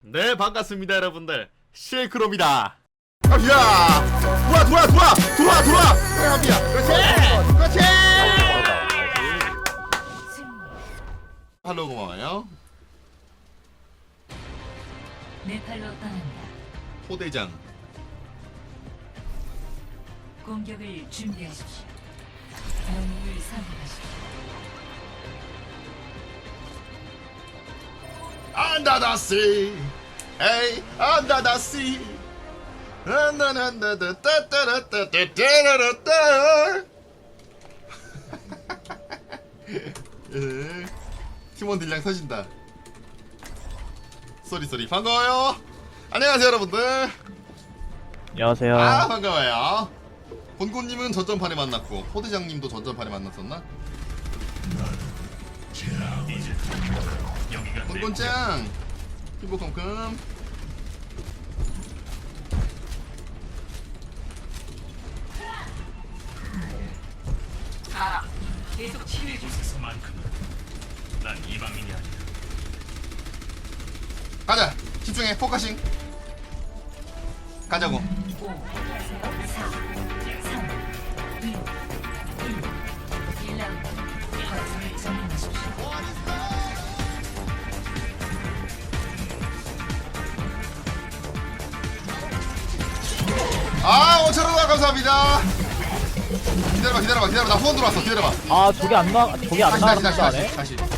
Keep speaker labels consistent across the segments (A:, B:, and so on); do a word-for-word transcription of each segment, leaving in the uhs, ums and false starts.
A: 네, 반갑습니다 여러분들. 실크롬이다. 갑시다. 돌아 돌아 돌아 돌아 돌아. 그래 갑니다. 그렇지 그렇지. 팔로우 고마워요.
B: 네 팔로 떠난다.
A: 포대장.
B: 공격을 준비하십시오. 영웅을 선택하십시오.
A: 안다다시 에이 안다다시 안다다다다다다다다다다다다. 팀원 딜량 서신다. 쏘리 쏘리 반가워요. 안녕하세요 여러분들.
C: 안녕하세요.
A: 아 반가워요. 본고님은 전전판에 만났고 포대장님도 전전판에 만났었나? 본곤짱 피부컴컴.
B: 아, 계속 치료해 주세요.
D: 만큼은 난 이방인이 아니야.
A: 가자 집중해 포커싱 가자고.
B: 오, 사, 삼, 이, 일. 일 라운드. 거점을 점령하십시오.
A: 아 오천 원 감사합니다. 기다려봐 기다려봐 기다려봐 나 후원 들어왔어. 기다려봐.
C: 아 저게 안 나, 저게 안
A: 다시 다시 다시
C: 나가는데
A: 다시
C: 안 해?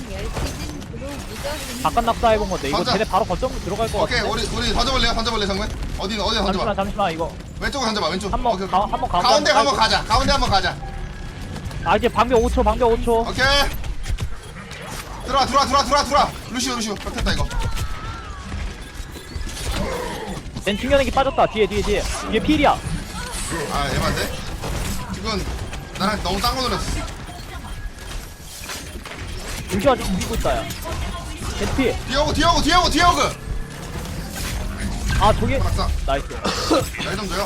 A: 다시.
C: 바깥 낙사 해본 건데 이거
A: 던져.
C: 쟤네 바로 거점 들어갈 것
A: 오케이
C: 같은데.
A: 우리 우리 던져볼래요? 던져볼래 정면? 어디 어디
C: 잠시만
A: 던져봐.
C: 잠시만 이거
A: 왼쪽으로 던져봐 왼쪽.
C: 한번
A: 오케이,
C: 가,
A: 오케이.
C: 한번 가운데
A: 가운데
C: 한번
A: 한번 가자. 가운데 한번 가자.
C: 아 이제 방벽 오 초 방벽 오 초.
A: 오케이. 들어와 들어와 들어와 들어와 들어와. 루시오 루시오. 됐다 이거.
C: 쟤 충전액이 빠졌다. 뒤에 뒤에 뒤에 뒤에 필이야.
A: 아 에반데? 지금 나랑 너무 딴 거 노렸어.
C: 루시 아직 죽이고 있다 야. 쟤 필.
A: 뒤에 오고 뒤에 오고 뒤에 오고 뒤에 오고.
C: 아 저게
A: 낙사.
C: 나이스.
A: 날좀 줘요.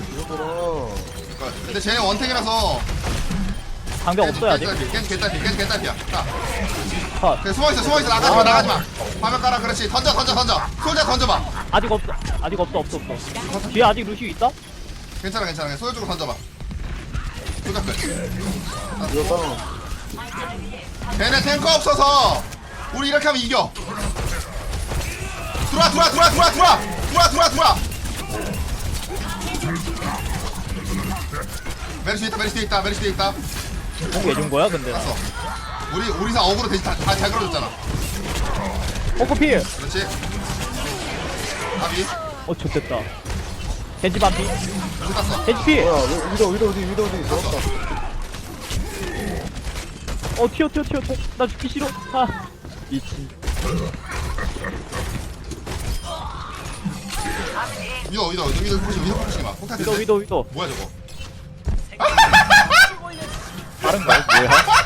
A: 근데 쟤네 원탱이라서
C: 방벽 없어야 돼.
A: 깬 개딸피 깬 개딸피야. 자
C: 컷.
A: 그래, 숨어있어 숨어있어 나가지마 나가지마. 화면 깔아. 그렇지 던져 던져 던져. 솔자 던져봐.
C: 아직 없어 아직 없어 없어 없어. 뒤에 아직 루시 있다?
A: 괜찮아 괜찮아. 소유 쪽으로 던져봐. 솔자 끝. 걔네 탱커 없어서 우리 이렇게 하면 이겨. 들어와 들어와 들어와 들어와 들어와 들어와 들어와 들어와. 메르시 있다 메르시 있다 메르시 있다.
C: 공 해준 거야 근데 나.
A: 봤어. 우리 우리사 어그로 대신 다잘 걸어줬잖아.
C: 포크 필.
A: 그렇지. 아비
C: 어 좋됐다. 겐지 반피.
A: 여기 땄어.
C: 겐지 필.
E: 뭐야 위도 위도 어디 위도 어디 있어?
C: 어 튀어 튀어 튀어 튀어. 나 죽기 싫어. 아 미친.
A: 위도 위도 위도 위도 푸시 위도 푸시 마. 폭탄
C: 위도 위도 위도.
A: 뭐야 저거?
C: 다른 거야 뭐야?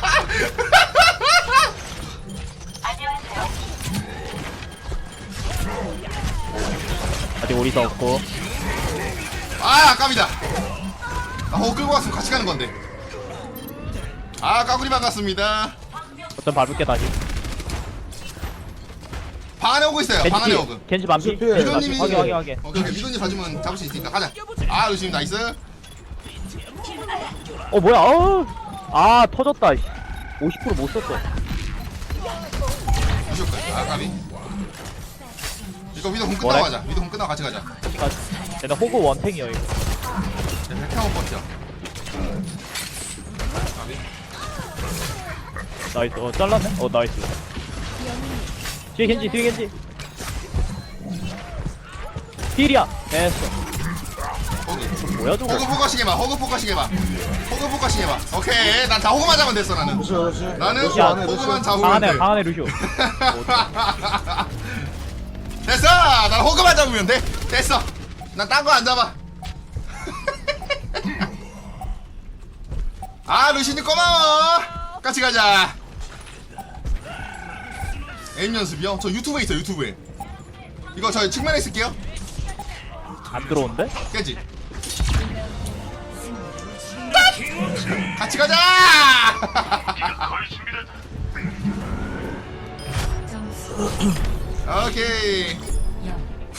C: 아직 오리사 없고.
A: 아 아깝이다. 나 호그 끌고 갔으면 같이 가는 건데. 아 까구리 반갑습니다.
C: 어떤 밟을게 다시.
A: 방 안에 오고 있어요. 방 안에
C: 겐지
A: 오고.
C: 필. 겐지 반피.
E: 필.
A: 미도님이
C: 확인 확인 확인.
A: 오케이 오케이 미도님 봐주면 잡을 수 있으니까 가자. 아 루시님 나이스.
C: 어 뭐야? 어. 아 터졌다. 오십 퍼센트 못 썼어.
A: 루시 끝. 아 까비. 이거 위도 공 끝나고
C: 뭐래?
A: 가자. 위도 공 끝나고 같이 가자.
C: 그러니까 쟤네 호그 원탱이야 이거.
A: 백형원 버텨. 까비.
C: 나이스. 어 잘랐네. 어 나이스. 뒤에 겐지 뒤에 겐지. 필이야. 됐어.
A: 호그.
C: 뭐야 저거?
A: 호그 포커싱 해봐. 호그 포커싱 해봐. 호그 포커싱 해봐. 오케이. 난 다 호그만 잡으면 됐어 나는.
E: 루시 루시
A: 나는
E: 루시 안에
A: 호그만
E: 루시
A: 잡으면
C: 방 안에
A: 돼.
C: 방 안에 루시오.
A: 됐어. 난 호그만 잡으면 돼. 됐어. 난 딴 거 안 잡아. 아 루시님 고마워. 같이 가자. 에임 연습이요? 저 유튜브에 있어 유튜브에. 이거 저 측면에 있을게요.
C: 안 들어온대?
A: 깨지. 같이 가자.
B: 점수
A: 오케이.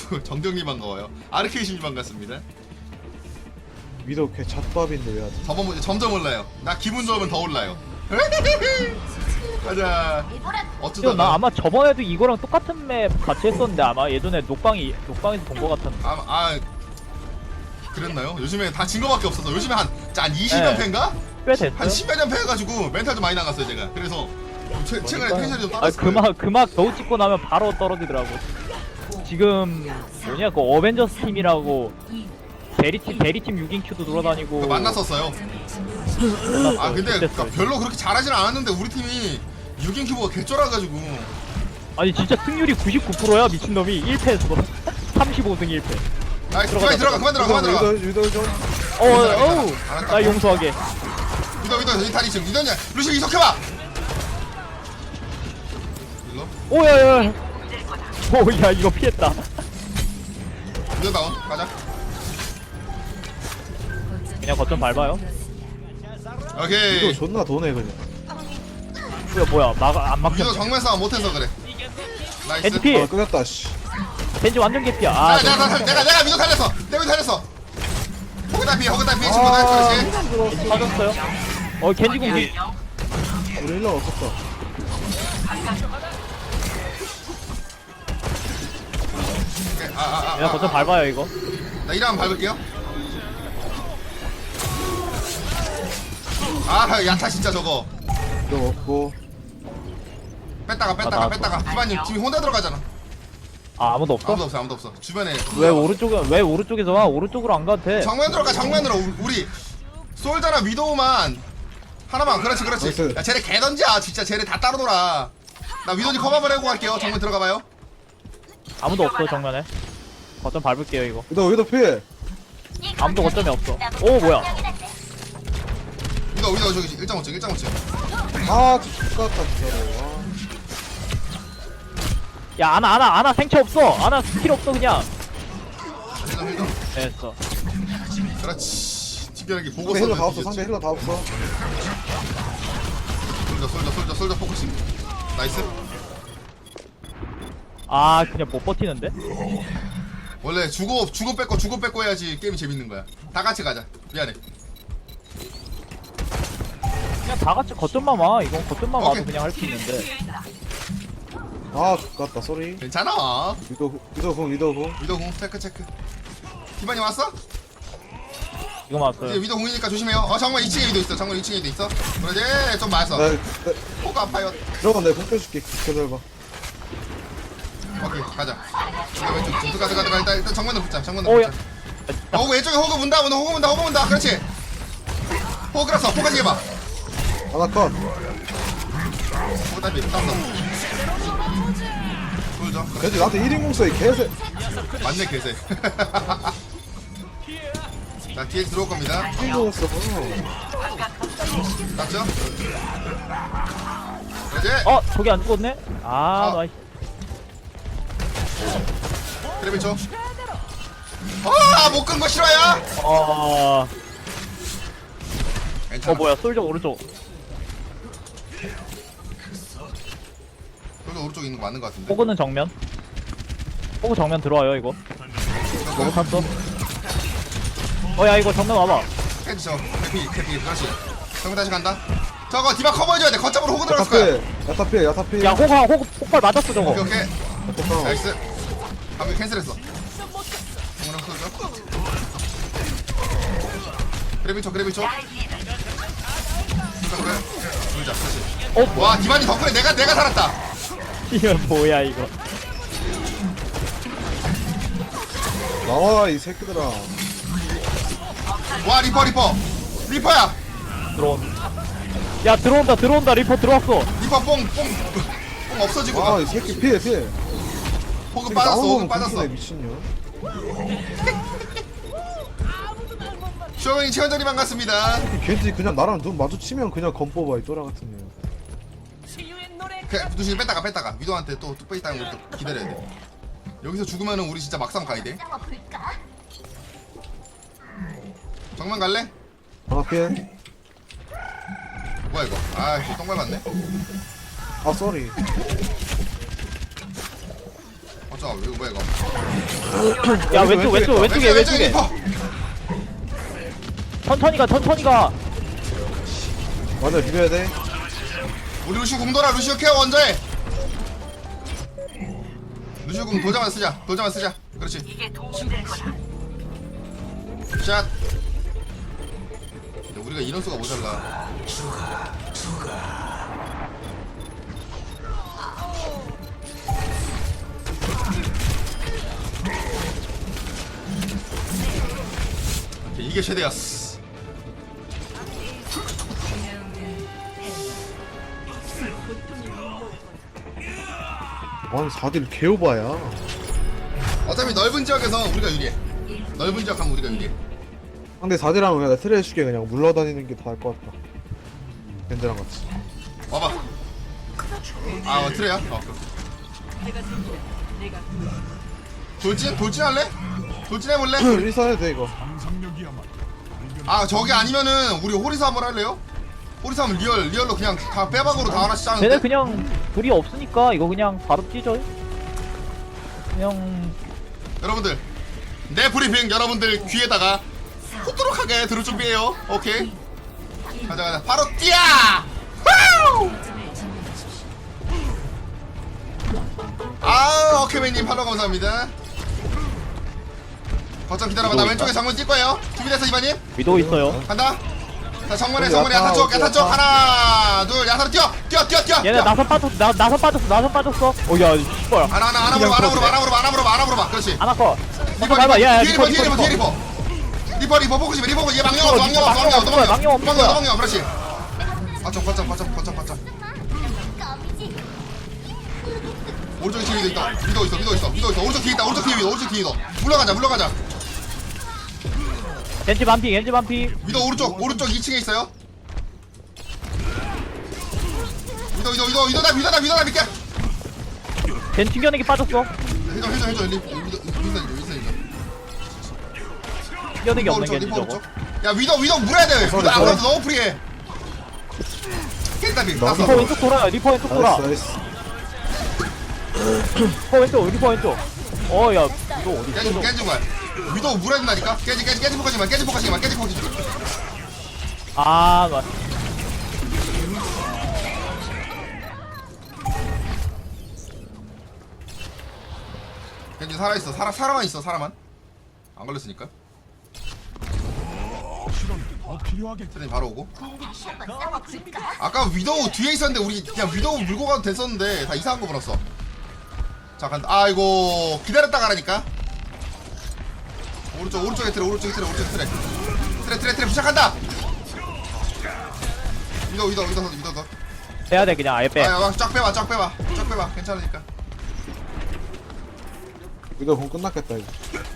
A: 정경님 반가워요. 아르케이신님 반갑습니다.
E: 위도 걔 잣밥인데 왜 하지?
A: 저번 문제 점점 올라요. 나 기분 좋으면 더 올라요. 가자.
C: 이거
A: 어쩌다가
C: 나 아마 저번에도 이거랑 똑같은 맵 같이 했었는데 아마 예전에 녹방이 녹방에서 본 거 같았는데.
A: 아, 아 그랬나요? 요즘에 다 진 거밖에 없어서 요즘에 한, 한 이십 연패인가?
C: 꽤 됐어요.
A: 한 십여 연패 해가지고 멘탈 좀 많이 나갔어요 제가. 그래서 좀 최, 최근에 텐션이 좀
C: 아
A: 떨어졌어요.
C: 그막 그막 겨우 찍고 나면 바로 떨어지더라고. 지금 뭐냐 그 어벤져스 팀이라고 대리팀 대리팀 육 인 큐도 돌아다니고.
A: 그 만났었어요.
C: 만났어요.
A: 아 근데
C: 그때
A: 그러니까
C: 써요.
A: 별로 그렇게 잘하진 않았는데 우리 팀이 육 인 큐브가 개쩔어가지고.
C: 아니 진짜 승률이 구십구 퍼센트야 미친놈이 일 패에서 삼십오 승 일 패.
A: 아 그만 들어가 그만 들어가 그만 들어가.
E: 위도 위도 좀.
C: 어, 어우,
A: 알았다.
C: 나 용서하게.
A: 위도 위도 이 다리 지금 위도냐 루시 이속해봐. 일로
C: 오야야. 오야 이거 피했다.
A: 위도 다운 가자.
C: 그냥 거점 밟아요.
A: 오케이.
E: 위도 존나 도네 그냥.
C: 뭐야 뭐야 막안
A: 위도
C: 막혔네.
A: 정면 싸움 못해서 그래. 나이스.
C: 겐지 피.
E: 아 끊었다 씨.
C: 겐지 완전 개피야.
A: 아,
C: 아,
A: 내가, 내가, 내가, 내가 위도 살렸어. 내가 위도 살렸어. 호그다 피, 호그다 피, 친구다. 그렇지.
C: 겐지 빠졌어요. 어 겐지 공기.
E: 우리 힐러 없었다.
A: 오케이. 아, 아, 아,
C: 그냥
A: 아,
C: 거점
A: 아.
C: 밟아요 이거.
A: 나 이랑 밟을게요. 아, 야타 진짜 저거.
E: 위도 먹고.
A: 뺐다가, 뺐다가,
C: 나-
A: 뺐다가. 기반님 팀이 혼자 들어가잖아.
C: 아 아무도 없어?
A: 아무도 없어, 아무도 없어. 주변에.
C: 왜 오른쪽에 왜 오른쪽에서 와? 오른쪽으로 안 가도 돼.
A: 정면 들어가, 정면으로. 우- 우리 솔자나 위도우만 하나만. 그렇지, 그렇지.
E: 나이스.
A: 야, 쟤네 개 던지야. 진짜 쟤네 다 따로 놀아. 나 위도우님 커버 한번 해고 갈게요. 정면 들어가봐요.
C: 아무도 없어 정면에. 거점 밟을게요 이거.
E: 위도 위도 필.
C: 아무도 거점이 없어. 오 뭐야?
A: 위도우, 위도우 저기 일 점 오 층, 일 점 오 층.
E: 아 죽었다 진짜로. 아.
C: 야 아나 아나 아나 생체 없어. 아나 스킬 없어 그냥.
A: 힐점, 힐점.
C: 됐어.
A: 그렇지. 특별하게 보고
E: 상대 힐러 다
A: 써서
E: 없어. 상대 힐러 다 없어.
A: 솔져 솔져 솔져 솔져 포커싱. 나이스.
C: 아 그냥 못 버티는데?
A: 원래 주고 주고 뺏고 주고 뺏고 해야지 게임이 재밌는 거야. 다 같이 가자. 미안해.
C: 그냥 다 같이 거점만 와. 이건 거점만 와도
A: 오케이.
C: 그냥 할 수 있는데.
E: 아 죽었다 쏘리.
A: 괜찮아.
E: 위도 위도 공 위도 공.
A: 위도 공 체크 체크. 기반이 왔어?
C: 이거 맞았어요.
A: 이제 위도 공이니까 조심해요. 어 정말 이 층에 위도 있어. 정말 이 층에 위도 있어. 그러지 좀 맞았어.
E: 나, 나
A: 포가 아파요.
E: 들어가 내가 공 빼줄게. 기다려봐.
A: 오케이 가자. 이거 왼쪽 좀 가자 가자 가. 일단 일단 정면으로 붙자. 정면으로
C: 오야.
A: 붙자. 어 왼쪽에 호그 문다 문다 호그 문다 호그 문다. 그렇지. 호그 끌었어. 호그까지 해봐.
E: 하나 컷.
A: 호그 답이 땄어. 돌죠.
E: 왠지 나한테 일 인 공수에 개새.
A: 맞네 개새. 자 뒤에 들어올 겁니다.
E: 일 인 공수.
A: 맞죠? 그러지.
C: 어 저기 안 죽었네? 아
A: 어.
C: 나이스.
A: 그래 쳐. 아못 끈 거 싫어요?
C: 어.
A: 괜찮아.
C: 어 뭐야 솔저 오른쪽.
A: 저도 오른쪽에 있는 거 맞는 거 같은데.
C: 호그는 정면. 호그 정면 들어와요 이거. 너무 탔어. 어야 이거 정면 와봐.
A: 캐치 저 캐피 캐피 그렇지. 정면 다시 간다. 저거 디바 커버해줘야 돼. 거점으로 호그 들어갔을 거야.
E: 야타필 야타필 야타필.
C: 야 호가 호그 폭발 맞았어 저거.
A: 오케이 오케이.
E: 야타필.
A: 나이스. 방금 캔슬했어. 정면 쏘죠. 그래비 쳐 그래비 쳐. 그래. 불자 그렇지.
C: 어 뭐야?
A: 와 디바니 덕분에 내가 내가 살았다.
C: 이거 뭐야 이거.
E: 나와 이 새끼들아.
A: 와 리퍼 리퍼 리퍼야.
C: 들어온. 야 들어온다 들어온다 리퍼 들어왔어.
A: 리퍼 뽕뽕 뽕 없어지고 가.
E: 아이 새끼 피해 피해.
A: 호그 빠졌어 호그 빠졌어.
E: 미친년.
A: 쇼잉 최원전이 반갑습니다.
E: 겐지 그냥 나랑 눈 마주치면 그냥 검 뽑아 이 또라 같은 년.
A: 그, 두시 뺐다가 뺐다가 위도한테 또 뚝배기 따는 걸 또 기다려야 돼. 여기서 죽으면은 우리 진짜 막상 가야 돼. 정면 갈래?
E: 하나 피해.
A: 뭐야 이거? 아, 이거 똥 밟았네.
E: 아 쏘리.
A: 어쩌 잠깐 이거 뭐야 이거
C: 야 왼쪽 왼쪽 왼쪽에 왼쪽에
A: 리퍼
C: 천천히 가 천천히 가.
E: 맞아 비벼야 돼.
A: 우리 루시오 공 돌아 루시오 케어 먼저 해 루시오 공 돌자마자 쓰자 돌자마자 쓰자 그렇지
B: 이게 도움이 될 거다.
A: 샷 근데 우리가 인원수가 모자라 오케이, 이게 최대였어
E: 아니 사 딜 개오바야.
A: 어차피 넓은 지역에서 우리가 유리해 넓은 지역 하면 우리가 유리해
E: 상대 사 딜하면 그냥 트레 쉽게 그냥 물러다니는 게 더 나을 것 같다. 밴드랑 같이.
A: 와봐 아 어, 트레야? 어 돌진? 돌진 할래? 돌진 해볼래?
E: 일선 해도 돼 이거.
A: 아 저게 아니면은 우리 호리사 한번 할래요? 호리사 하면 리얼 리얼로 그냥 다 빼박으로 다 하나씩
C: 쟤네
A: 짜는데
C: 그냥 불이 없으니까 이거 그냥 바로 찢어. 그냥
A: 여러분들 내 브리핑 여러분들 귀에다가 후두룩하게 들을 준비해요 오케이 가자 가자 바로 뛰어! 후! 아 오케이맨님 팔로우 감사합니다 거점 기다려봐 나 왼쪽에 정문 뛸 거예요 준비됐어 이반님?
C: 위도 있어요.
A: 간다 자 정문에
E: 여기
A: 정문에
E: 야타,
A: 야타 쪽
E: 어디
A: 야타 쪽
E: 야타?
A: 하나 둘 야타로 뛰어 뛰어 뛰어 뛰어
C: 얘네
A: 뛰어.
C: 나선 빠졌어. 나 나선 빠졌어. 나선 빠졌어. 어야 씨발.
A: 하나 하나 하나 물어봐 하나 물어봐 하나 물어봐 하나 물어봐 하나 물어봐 그렇지
C: 하나 컷.
A: 리퍼
C: 리퍼 밟아. 야, 야,
A: 뒤에
C: 리퍼,
A: 리퍼 뒤에
C: 리퍼,
A: 리퍼 뒤에 리퍼 리퍼 리퍼 포커시 리퍼 얘 망령 없어 망령 없어 망령 없어
C: 망령
A: 망령
C: 없는
A: 망령
C: 거야.
A: 망령 그렇지 거점 거점 거점 거점 거점 오른쪽에 뒤에 위도 있다 위도 있어 위도 있어 위도 있어 오른쪽 뒤에 있다 오른쪽 뒤에 위도 오른쪽 뒤에 위도 물러가자 물러가자
C: 겐지 반피 겐지 반피.
A: 위도 오른쪽 오른쪽 이 층에 있어요 위도 위도 위도 위도다 위도다 위도다 믿게
C: 겐 튕겨내기 빠졌어.
A: 해줘 해줘 해줘 위도 위도 위도 위도
C: 튕겨내기 없는
A: 오른쪽
C: 겐지
A: 리퍼
C: 저거.
A: 오른쪽 야 위도 위도 물어야 돼 위도 안 물어도 너무 프리해 깼다 비
E: 너-
C: 리퍼
A: 땄어
C: 왼쪽 돌아요. 리퍼 왼쪽 돌아.
E: 나이스 나이스.
C: 리퍼 왼쪽 리퍼 왼쪽. 어야 이거 어디
A: 깨지
C: 있어?
A: 깨지 거야 위도 물어야 된다니까 깨지 깨지 깨지 포커지 마 깨지 포커지 마 깨지 포커지 마
C: 아 맞.
A: 겐지 살아있어 살아 살아만 있어 살아만 안 걸렸으니까 트레이 바로 오고 아까 위도우 뒤에 있었는데 우리 그냥 위도우 물고 가도 됐었는데 다 이상한 거 물었어 자 간다 아이고 기다렸다 가라니까 오른쪽 오른쪽에 트레 오른쪽에 트레 오른쪽에 트레 트레 트레 트레 부착한다 위도우 위도우 위도우 위도우 위도우
C: 빼야 돼 그냥 아예 빼.
A: 아야 쫙 빼봐 쫙 빼봐 쫙 빼봐 괜찮으니까
E: 이거 공 끝났겠다 이거.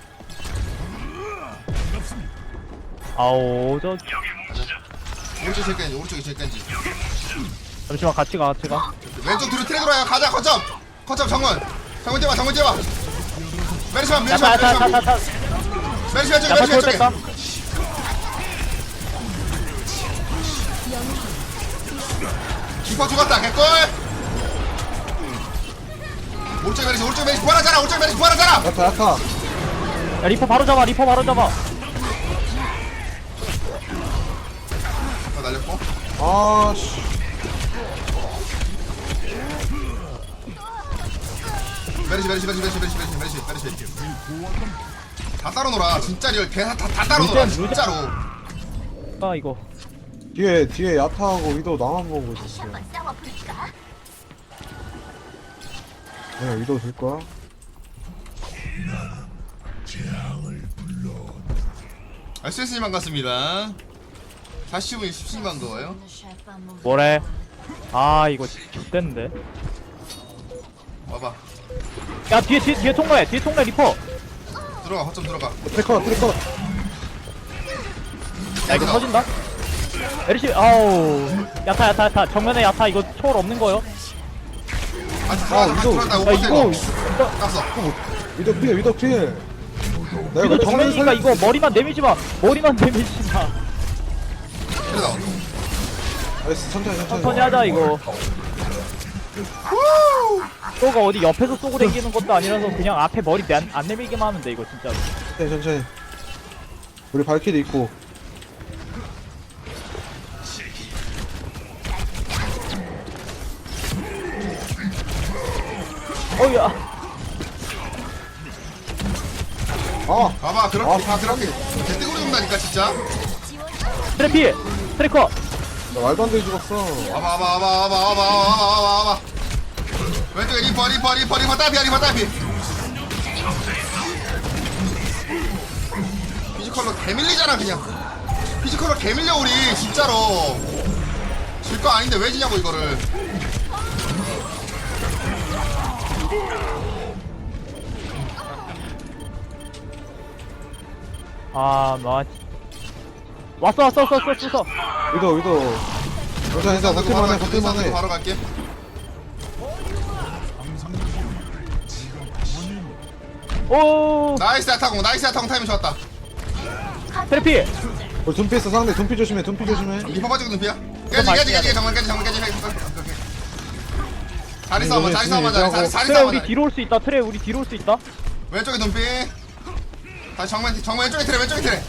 C: 아오 저
A: 오른쪽 제일 깬지 오른쪽이 제일 깬지
C: 잠시만 같이 가 같이 가.
A: 왼쪽 뒤로 트레 돌아요 가자 거점 거점 정원 정원 뛰어봐 정원 뛰어봐 메르시만 메르시만
C: 야타 야타
A: 메르시만
C: 야타 야타.
A: 메르시 왼쪽
C: 야타
A: 메르시
C: 돌
A: 왼쪽에
C: 뺐다.
A: 리퍼 죽었다 개꿀 오른쪽 메르시 오른쪽 메르시 부활하잖아 오른쪽 메르시 부활하잖아
E: 야타 야타.
C: 야 리퍼 바로 잡아 리퍼 바로 잡아.
A: 다 날렸고
E: 아씨.
A: 메르시 메르시 메르시 메르시 메르시 메르시 메르시 메르시 다 따로 놀아 진짜 리얼 다, 다, 다 따로 놀아
C: 루젠, 루젠.
A: 진짜로
C: 아 이거.
E: 뒤에 뒤에 야타하고 위도 나만 보고 있었어. 그냥 위도 들 거야?
A: 에스에스님 반갑습니다 사십 분이 십 분이 반가워요
C: 뭐래? 아 이거 X됐는데.
A: 와봐
C: 야 뒤에 뒤에 뒤에 통과해 뒤에 통과해 리퍼.
A: 들어가 거점 들어가
E: 트래커 트래커.
C: 야 이거 터진다. 에리시 아우 야타 야타 야타 정면에 야타 이거 초월 없는 거요.
A: 아직
E: 아
A: 들어간다
E: 위도.
A: 들어간다
C: 야
A: 못
C: 이거
A: 버텨
C: 이거
A: 땄어
E: 위도 필 위도 필. 내가
C: 이거
E: 그래
C: 정면이니까
E: 살려-
C: 이거 머리만 내밀지 마. 머리만 내밀지 마.
A: 그래 나와
E: 나이스 천천히 천천히.
C: 천천히 하자 이거. 또가 어디 옆에서 쏘고 다니는 것도 아니라서 그냥 앞에 머리 안, 안 내밀기만 하면 돼 이거 진짜로.
E: 천천히 천천히. 우리 발키리 있고.
C: 어우야.
E: 아
A: 봐봐 그렇게
E: 아,
A: 다 그렇게 개뜨구리 온다니까 진짜.
C: 트래피 트래커.
E: 나 말도 안 되게 죽었어.
A: 와봐 와봐 와봐 와봐 와봐 와봐 와봐 와봐. 왼쪽에 리퍼 리퍼 리퍼 리퍼 따비야 리퍼 따비. 피지컬로 개밀리잖아 그냥. 피지컬로 개밀려 우리 진짜로. 질 거 아닌데 왜 지냐고 이거를.
C: 아, 마. 왔어, 왔어, 왔어, 왔어, 왔어.
E: 위도 위도. 괜찮아 괜찮아.
A: 바로
E: 버틸만해
A: 갈게 의사
E: 버틸만해.
A: 바로 갈게.
C: 오,
A: 나이스 아타공 나이스 아타공 타이밍 좋았다.
C: 트래피.
E: 우리 둠피 있어 상대. 둠피 조심해. 둠피 조심해.
A: 리퍼 빠지고 눈피야. 깨지 깨지 깨지 정말 깨지 정말 깨지. 자리 싸움만 자리 싸움만 자리 자리 자리
C: 트레
A: 싸움만.
C: 우리 뒤로 올 수 있다. 트레 우리 뒤로 올 수 있다.
A: 왼쪽에 눈피. 다시 정면 정면 왼쪽에 트레 왼쪽에 트레.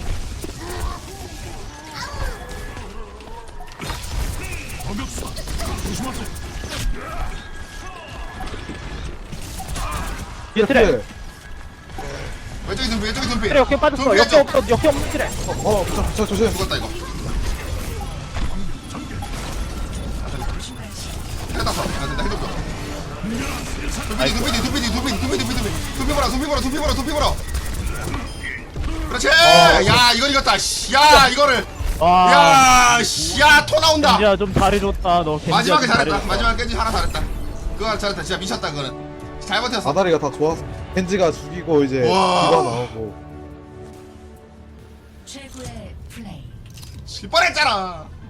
C: 뒤에 트레.
A: 왼쪽에 눈피 왼쪽에 눈피.
C: 트레 역행 빠졌어.
A: 눈피
C: 역행
A: 왼쪽.
C: 없어. 역행 없는 트레.
E: 어 저, 저 조심.
A: 죽었다 이거. 해놨어. 나 된다 해줬어. 눈피 눈피 눈피 눈피 눈피 눈피 눈피 눈피 눈피 보라 눈피 보라 눈피 보라 눈피 보라. 그렇지. 야 이걸 이겼다. 씨. 야 이거를.
C: 와.
A: 야, 씨, 야, 토 나온다.
C: 겐지야 좀 잘해줬다. 너 겐지야
A: 마지막에
C: 좀
A: 잘했다.
C: 잘해줬다.
A: 마지막에 겐지 하나 잘했다. 그거 잘했다. 진짜 미쳤다 그거는. 잘 버텼어.
E: 아다리가 다 좋았어. 겐지가 죽이고 이제
A: 와.
E: 디바 나오고.
B: 최고의 플레이.
A: 질 뻔했잖아.